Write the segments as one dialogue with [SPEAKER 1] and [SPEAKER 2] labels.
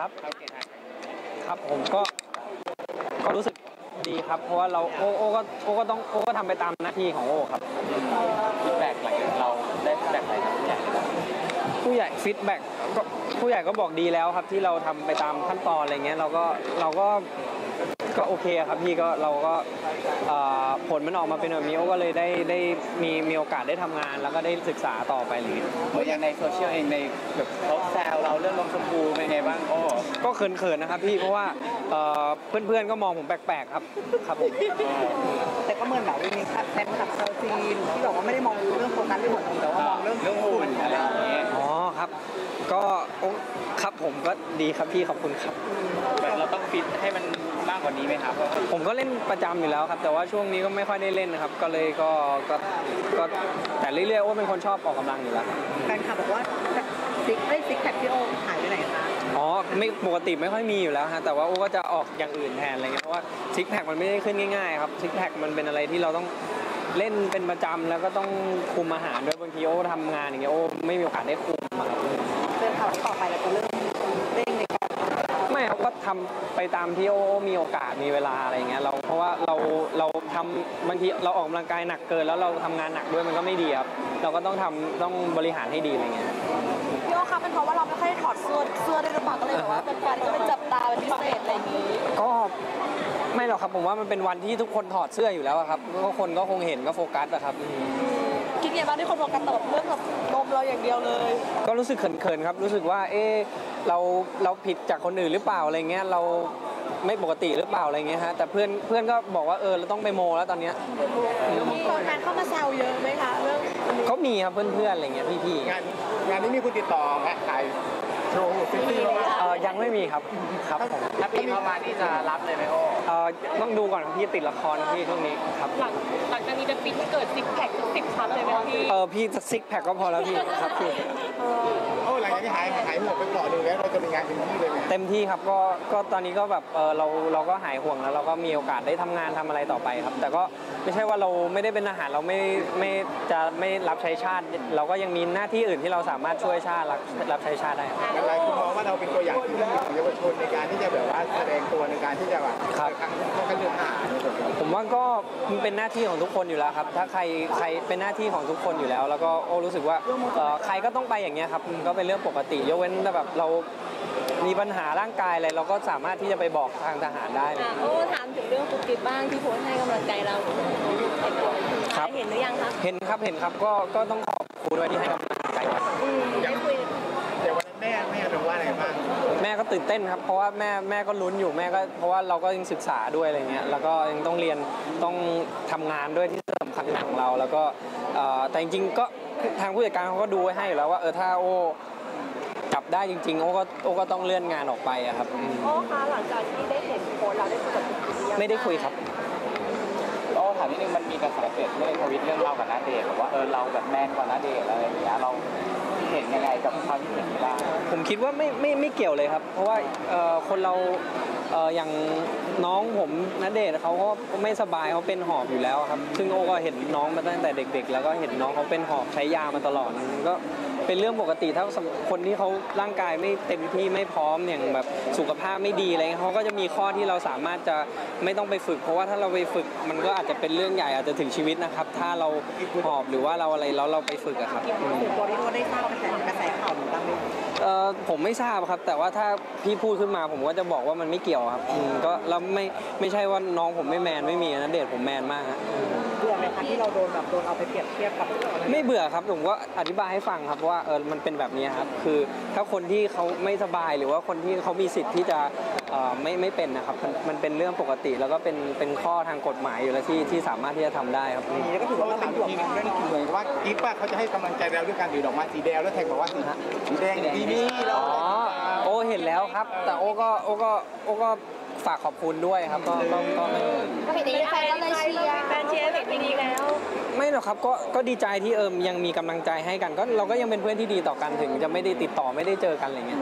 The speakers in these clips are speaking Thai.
[SPEAKER 1] ครับครับผมก็รู้สึกดีครับเพราะว่าเราโอก็ทำไปตามหน้าที่ของโอครับ
[SPEAKER 2] ฟีดแบ็กอะไรเราได้ฟีดแบ็กอะไรจากผู้ใหญ่
[SPEAKER 1] ฟีดแบ็กก็ผู้ใหญ่ก็บอกดีแล้วครับที่เราทำไปตามขั้นตอนอะไรเงี้ยเราก็โอเคครับพี่ก็เราก็ผลมันออกมาเป็นแบบนี้โอ้ก็เลยได้มีโอกาสได้ทำงานแล้วก็ได้ศึกษาต่อไปเลย
[SPEAKER 2] อย่างในโซเชียลเองในแบบเขาแซวเราเรื่องนมชมพูเป็นไงบ้างโอ้
[SPEAKER 1] ก็เขินๆนะครับพี่เพราะว่าเพื่อนๆก็มองผมแปลกๆครับผม
[SPEAKER 3] แต่ก็เหมือนแบบมีแฟนคลับชาวจีนที่บอกว่าไม่ได้มองเรื่องโฟกัสเรื่องหุ่นแต่ว่ามองเรื่อง
[SPEAKER 2] หุ่นอะไรอย่างเงี้ย
[SPEAKER 1] อ๋อครับก็ครับผมก็ดีครับพี่ขอบคุณครับ
[SPEAKER 2] แบบเราต้องฟิตให้มันมากกว่านี้ไหมครับ
[SPEAKER 1] ผมก็เล่นประจำอยู่แล้วครับแต่ว่าช่วงนี้ก็ไม่ค่อยได้เล่นนะครับก็เลยก็แต่เรื่อยๆว่าเป็นคนชอบออกกำลังอยู่แล้ว
[SPEAKER 3] แฟนคลับบอกว่าซิกแพคพี่โอหายไปไหนคะ
[SPEAKER 1] อ๋อไม่ปกติไม่ค่อยมีอยู่แล้วฮะแต่ว่าโอ้ก็จะออกอย่างอื่นแทนอะไรเงี้ยเพราะว่าซิกแพคมันไม่ได้ขึ้นง่ายๆครับซิกแพคมันเป็นอะไรที่เราต้องเล่นเป็นประจำแล้วก็ต้องคุมอาหารด้วยบางทีโอ้ทำงานอย่างเงี้ยโอ้ไม่มีโอกาสได้คุมครับ
[SPEAKER 3] เป็นข่าวต่อไปเราจะเริ่มเร่งในการ
[SPEAKER 1] ไม่เขาก็ทำไปตามที่โอ้มีโอกาสมีเวลาอะไรเงี้ยเพราะว่าเราทำบางทีเราออกกำลังกายหนักเกินแล้วเราทำงานหนักด้วยมันก็ไม่ดีครับเราก็ต้องบริหารให้ดีอะไรเงี้ย
[SPEAKER 4] พี่โอคะเป็นเพราะว่าเราไม่ค่อยถอดเสื้อได้หรือเปล่าก็เลยแบบว่าเป็นแฟนก็เป็นจับตาเป็นพิเศษอะไรอย่างนี้
[SPEAKER 1] ก็ไม่หรอกครับผมว่ามันเป็นวันที่ทุกคนถอดเสื้ออยู่แล้วครับก็คนก็คงเห็นก็โฟกัสอะครับ
[SPEAKER 4] คิดไงบ้างที่คนโฟกัสตลอดเรื่องกับนมเราอย่างเดียวเลย
[SPEAKER 1] ก็รู้สึกเขินๆครับรู้สึกว่าเราผิดจากคนอื่นหรือเปล่าอะไรเงี้ยเราไม่ปกติหรือเปล่าอะไรเงี้ยฮะแต่เพื่อนก็บอกว่าเราต้องไปโมแล้วตอนเนี้ย
[SPEAKER 4] มีคนเข้ามาแซวเยอะไหมคะเรื่อง
[SPEAKER 1] เขามีครับเพื่อนๆอะไรเงี้ยพี่
[SPEAKER 2] ๆงานนี้มีคุณติดต่อแพ็คขายโชว์ซิตี้
[SPEAKER 1] ยังไม่มีครับผม
[SPEAKER 2] ถ้าพี่เข้ามานี่จะรับเลยไหมโอ้
[SPEAKER 1] ต้องดูก่อนพี่ติดละครพี่ช่วงนี้ครับ
[SPEAKER 4] หลังจากนี้จะฟิตเกิดซิกแพค10 ชั้นเลยไหมพี่
[SPEAKER 1] พี่ซิกแพคก็พอแล้วพี่ครับพี่
[SPEAKER 2] หลังจากนี้หายห่วงไปก่อนเลยแล้วเราจะมีงานเต็มที่เลย
[SPEAKER 1] เต็มที่ครับก็ตอนนี้ก็แบบเราก็หายห่วงแล้วเราก็มีโอกาสได้ทำงานทำอะไรต่อไปครับแต่ก็ไม่ใช่ว่าเราไม่ได้เป็นทหารเราไม่รับใช้ชาติเราก็ยังมีหน้าที่อื่นที่เราสามารถช่วยชาติรับใช้ชาติได้
[SPEAKER 2] อะไรคุณมองว่าเราเป็นตัวอย่างที่ดีของเยาวชนในการที่จะแบบว่าแสดงตัวในการที่จะแบบเข้ากันเรื่องทหาร
[SPEAKER 1] ผมว่าก็มันเป็นหน้าที่ของทุกคนอยู่แล้วครับถ้าใครเป็นหน้าที่ของทุกคนอยู่แล้วแล้วก็รู้สึกว่าใครก็ต้องไปอย่างเงี้ยครับก็เป็นเรื่องปกติยกเว้นแต่แบบเรามีปัญหาร่างกายอะไรเราก็สามารถที่จะไปบอกทางทหารได้
[SPEAKER 4] ถามถึงเรื่องฟุกกิ๊บบ้างที่โพสให้กำลังใจเรา
[SPEAKER 1] ครับ
[SPEAKER 4] เห็นหรือยังครับ
[SPEAKER 1] เห็นครับก็ต้องขอบคุณด้วยที่ให้กำลังใจ
[SPEAKER 4] ได้คุย
[SPEAKER 2] เดี๋ยววันนั้นแม่รู้ว่าอะไรบ้าง
[SPEAKER 1] แม่ก็ตื่นเต้นครับเพราะว่าแม่ก็ลุ้นอยู่แม่ก็เพราะว่าเราก็ยังศึกษาด้วยอะไรเงี้ยแล้วก็ยังต้องเรียนต้องทำงานด้วยที่สำคัญของเราแล้วก็แต่จริงๆก็ทางผู้จัดการเขาก็ดูไว้ให้อยู่แล้วว่าถ้าโอจับได้จริงๆโอก็ต้องเลื่อนงานออกไปอะครับ
[SPEAKER 4] โอ้คะหลังจากที่ได้เห็นโพสเราได้คุยกับคุณพี่
[SPEAKER 1] ไม่ได้คุยครับ
[SPEAKER 2] โอ้ถามนิดนึงมันมีกระแสเกิดในทวิตเรื่องเรากับณเดชน์บอกว่าเราแบบแมนกว่าณเดชน์อะไรอย่างเงี้ยเราเห็นยังไงกับความคิดเห็นบ้าง
[SPEAKER 1] ผมคิดว่าไม่เกี่ยวเลยครับเพราะว่าคนเราอย่างน้องผมณเดชน์เขาก็ไม่สบายเขาเป็นหอบอยู่แล้วครับซึ่งโอก็เห็นน้องมาตั้งแต่เด็กๆแล้วก็เห็นน้องเขาเป็นหอบใช้ยามาตลอดก็เป็นเรื่องปกติถ้าคนที่เขาร่างกายไม่เต็มที่ไม่พร้อมอย่างแบบสุขภาพไม่ดีอะไรเขาก็จะมีข้อที่เราสามารถจะไม่ต้องไปฝึกเพราะว่าถ้าเราไปฝึกมันก็อาจจะเป็นเรื่องใหญ่อาจจะถึงชีวิตนะครับถ้าเราหอบหรือว่าเราอะไรแล้วเราไปฝึกอะครับ
[SPEAKER 3] ตัวที่เราได้ทราบกระแสข่าวบ้างไหม
[SPEAKER 1] ผมไม่ทราบครับแต่ว่าถ้าพี่พูดขึ้นมาผมก็จะบอกว่ามันไม่เกี่ยวครับก็แล้วไม่ใช่ว่าน้องผมไม่แมนไม่มีนะเดชผมแมนมากฮะ
[SPEAKER 3] เบื่อไหมคะที่เราโดนเอาไปเปรียบเทียบกับ
[SPEAKER 1] ไม่เบื่อครับผมก็อธิบายให้ฟังครับว่ามันเป็นแบบนี้ครับคือถ้าคนที่เขาไม่สบายหรือว่าคนที่เขามีสิทธิ์ที่จะไม่เป็นนะครับมันเป็นเรื่องปกติแล้วก็เป็นข้อทางกฎหมายอยู่แล้วที่สามารถที่จะทำได้ครับ
[SPEAKER 3] นี่ก็ถือว่าเป็นห่วง
[SPEAKER 2] เรื่องเหมือนว่ากิ๊บเขาจะให้กำลังใจเราด้วยการถือดอกไม้สีแดงแล้วแทงบอกว่าสีแดงดีนี่เรา
[SPEAKER 1] โอเห็นแล้วครับแต่โอก็ฝากขอบคุณด้วยครับก็
[SPEAKER 4] เห็นแฟนก็เลยเชียร์แฟนเชียร์เห็นดีแล้ว
[SPEAKER 1] ไม่หรอกครับก็ดีใจที่ยังมีกำลังใจให้กันก็เราก็ยังเป็นเพื่อนที่ดีต่อกันถึงจะไม่ได้ติดต่อไม่ได้เจอกันอะไรเงี้ย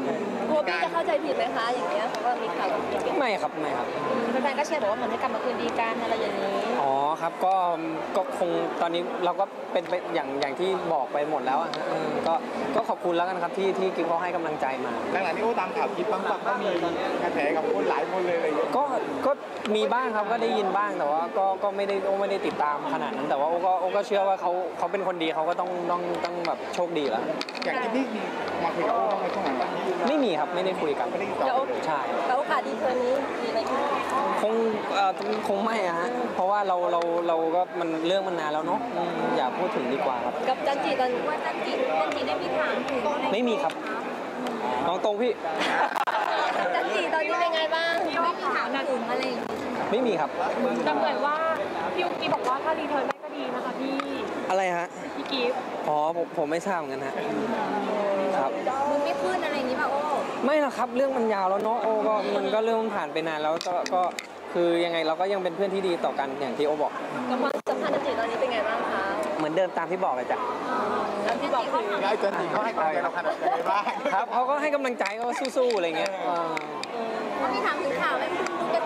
[SPEAKER 4] กลัวพี่จะเข้าใจผิดไหมคะอย่างเงี้ยเพราะว่ามีข่าวแบบนี้
[SPEAKER 1] ไม่ครับไม่ครับ
[SPEAKER 4] แฟนๆก็เชียร์บอกว่าเหมือนให้กลับมาคืนดีกันอะไรอย่างนี้
[SPEAKER 1] อ๋อครับก็คงตอนนี้เราก็เป็นไปอย่างที่บอกไปหมดแล้วอะฮะก็ขอบคุณแล้วกันครับที่กิ๊บเขาให้กำลังใจมา
[SPEAKER 2] หลังๆนี่โอ้ตามข่าวคลิปบ้างปะก็มีกระแสกับคนหลายคนเลยอะไรอย่างเงี้ย
[SPEAKER 1] ก็มีบ้างครับก็ได้ยินบ้างแต่ว่าก็ไม่ได้ติดตามขนาดนั้นแต่ว่าโอ้ก็เชื่อว่าเขาเป็นคนดีเขาก็ต้องแบบโชคดีแล้ว
[SPEAKER 2] อย่างที่นี่มีมาคุยกับโอ้บ้างไหมช่วงหลัง
[SPEAKER 1] ไม่มีครับไม่ได้คุยกัน
[SPEAKER 2] ไม่ได้ติดต่
[SPEAKER 4] แล้ว
[SPEAKER 2] อ
[SPEAKER 1] ใช่
[SPEAKER 4] แล้วโอกาสดีเทอมนี้มีอะไรไหม
[SPEAKER 1] คงไม่อะฮะเพราะว่าเราก็มันเรื่องมันนานแล้วเนาะอย่าพูดถึงดีกว่าครับ
[SPEAKER 4] กับจันจีตอนว่าจันจีได้มีถามถึง
[SPEAKER 1] ไม่มีครับน้องตรงพี่
[SPEAKER 4] จันจีตอนนี้เป็นไงบ้างไม่มีถามถึงอะไรอย่างงี้
[SPEAKER 1] ไม่มีครับ
[SPEAKER 5] แต่เหมือนว่าพี่อุ๊กกี้บอกว่าถ้ารีเทิร์นได้ก็ดีนะคะพี่
[SPEAKER 1] อะไรฮะ
[SPEAKER 5] พี่กิฟต์
[SPEAKER 1] อ๋อผมไม่ทราบเหมือนกันฮะครับ
[SPEAKER 4] มึงไม่ขึ้นอะไรอย่างนี้ป่ะโอ้
[SPEAKER 1] ไม่หรอกครับเรื่องมันยาวแล้วเนาะโอ้ก็มันก็เรื่องมันผ่านไปนานแล้วก็คือยังไงเราก็ยังเป็นเพื่อนที่ดีต่อกันอย่างที่โอบอก
[SPEAKER 4] กับความสัมพันธ์จันจีตอนนี้เป็นไงบ้างคะ
[SPEAKER 1] เหมือนเดิมตามที่บอกเลยจ้ะ
[SPEAKER 4] แล้วที่บอกถึง
[SPEAKER 2] แล้วไอ้เจนนี่เขาให้กำลังใจเราขนาดไหนบ้าง
[SPEAKER 1] ครับเขาก็ให้กำลังใจก็สู้ๆอะไรเงี้ย
[SPEAKER 4] เขามีถามถึงข่าวไหมลูก